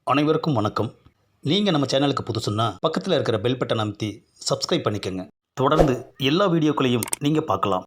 அனைவருக்கும் வணக்கம். நீங்கள் நம்ம சேனலுக்கு புதுசுன்னா பக்கத்தில் இருக்கிற பெல் பட்டன் அமைத்தி சப்ஸ்கிரைப் பண்ணிக்கோங்க. தொடர்ந்து எல்லா வீடியோக்களையும் நீங்கள் பார்க்கலாம்.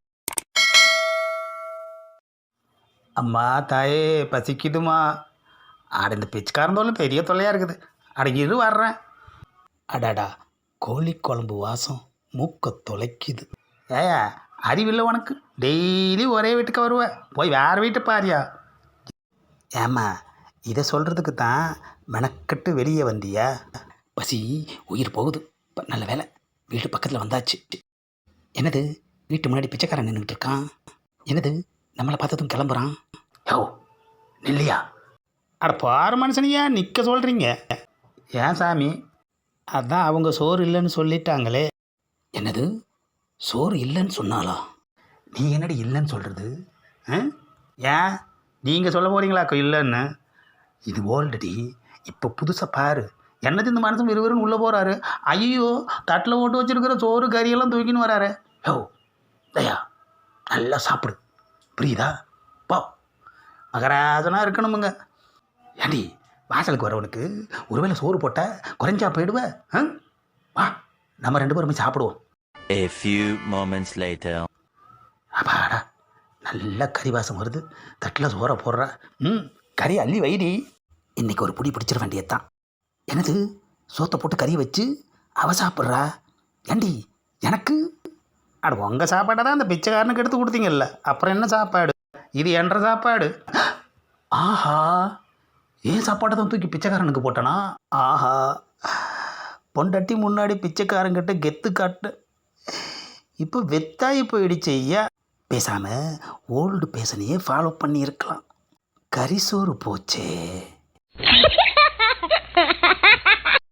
அம்மா தாயே பசிக்குதுமா. ஆட இந்த பிச்சைக்காரந்தோலும் பெரிய தொல்லையாக இருக்குது. அடங்கிரு வர்றேன். அடாடா, கோழி குழம்பு வாசம் மூக்க தொலைக்குது. ஏயா அறிவில்லை உனக்கு? டெய்லி ஒரே வீட்டுக்கு வருவேன், போய் வேறு வீட்டை பாரியா. ஏம்மா, இதை சொல்கிறதுக்கு தான் மெனக்கட்டு வெளியே வந்தியா? பசி உயிர் போகுது. நல்ல வேலை வீட்டு பக்கத்தில் வந்தாச்சு. என்னது, வீட்டு முன்னாடி பிச்சைக்காரன் நின்றுட்டு இருக்கான். என்னது, நம்மளை பார்த்ததும் கிளம்புறான். யோ நில்லையா? அட பாரு மனுஷனையா நிற்க சொல்கிறீங்க? ஏன் சாமி? அதான் அவங்க சோறு இல்லைன்னு சொல்லிட்டாங்களே. என்னது, சோறு இல்லைன்னு சொன்னாலா? நீ என்னடி இல்லைன்னு சொல்கிறது? ஏன் நீங்கள் சொல்ல போகிறீங்களாக்கோ இல்லைன்னு? இது ஓல்ரெடி. இப்போ புதுசாக பாரு. என்னது இந்த மனுஷன் விறுவிறுன்னு உள்ளே போகிறாரு. ஐயோ, தட்டில் போட்டு வச்சுருக்கிற சோறு கறியெல்லாம் தூக்கின்னு வராரு. யோ தயா, நல்லா சாப்பிடு, புரியுதா? போ, மகராஜனாக இருக்கணுமுங்க. ஏண்டி, வாசலுக்கு வரவனுக்கு ஒருவேளை சோறு போட்டால் குறைஞ்சா போயிடுவேன். வா, நம்ம 2 பேருமே சாப்பிடுவோம். A few moments later. அப்பாடா, நல்ல கறி வாசம் வருது. தட்டில் சோறை போடுறா. கறி அள்ளி வைடி. இன்றைக்கி ஒரு புடி பிடிச்சிட வேண்டியதுதான். என்னது, சோத்தை போட்டு கறி வச்சு அவ சாப்பிட்றா. ஏண்டி எனக்கு? அட உங்கள் சாப்பாடை தான் அந்த பிச்சைக்காரனுக்கு எடுத்து கொடுத்தீங்கல்ல, அப்புறம் என்ன சாப்பாடு? இது என்ற சாப்பாடு. ஆஹா, ஏன் சாப்பாடை தான் தூக்கி பிச்சைக்காரனுக்கு போட்டனா? ஆஹா, பொண்டாட்டி முன்னாடி பிச்சைக்காரங்கிட்ட கெத்து காட்டு. இப்போ வெத்தாயி போயிடுச்சு ஐயா. பேசாமல் ஓல்டு பேசனையே ஃபாலோ பண்ணியிருக்கலாம். கரிசோறு போச்சே.